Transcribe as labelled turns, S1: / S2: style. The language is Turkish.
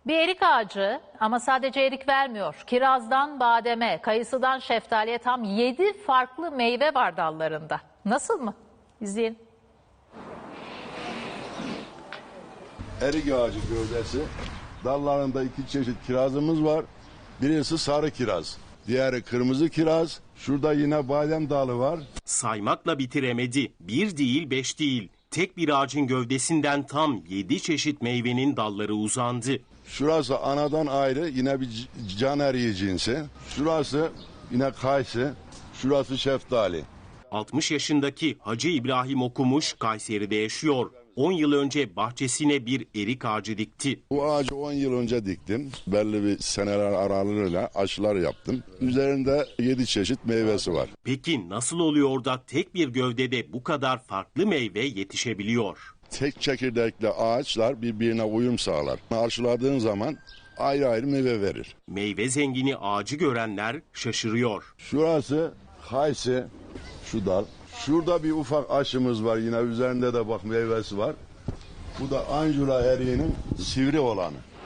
S1: Bir erik ağacı ama sadece erik vermiyor. Kirazdan bademe, kayısıdan şeftaliye tam 7 farklı meyve var dallarında. Nasıl mı? İzleyin.
S2: Erik ağacı gövdesi. Dallarında 2 çeşit kirazımız var. Birisi sarı kiraz, diğeri kırmızı kiraz. Şurada yine badem dalı var.
S3: Saymakla bitiremedi. 1 değil 5 değil. Tek bir ağacın gövdesinden tam 7 çeşit meyvenin dalları uzandı.
S2: Şurası anadan ayrı yine bir can eriği cinsi. Şurası yine kayısı. Şurası şeftali.
S3: 60 yaşındaki Hacı İbrahim Okumuş Kayseri'de yaşıyor. 10 yıl önce bahçesine bir erik ağacı dikti.
S2: Bu ağacı 10 yıl önce diktim. Belli bir seneler aralığıyla aşılar yaptım. Üzerinde 7 çeşit meyvesi var.
S3: Peki nasıl oluyor da tek bir gövdede bu kadar farklı meyve yetişebiliyor?
S2: Tek çekirdekli ağaçlar birbirine uyum sağlar. Aşıladığın zaman ayrı ayrı meyve verir.
S3: Meyve zengini ağacı görenler şaşırıyor.
S2: Şurası kayısı, şu dal. Şurada bir ufak aşımız var, yine üzerinde de bak meyvesi var. Bu da anjura eriğinin sivri olanı.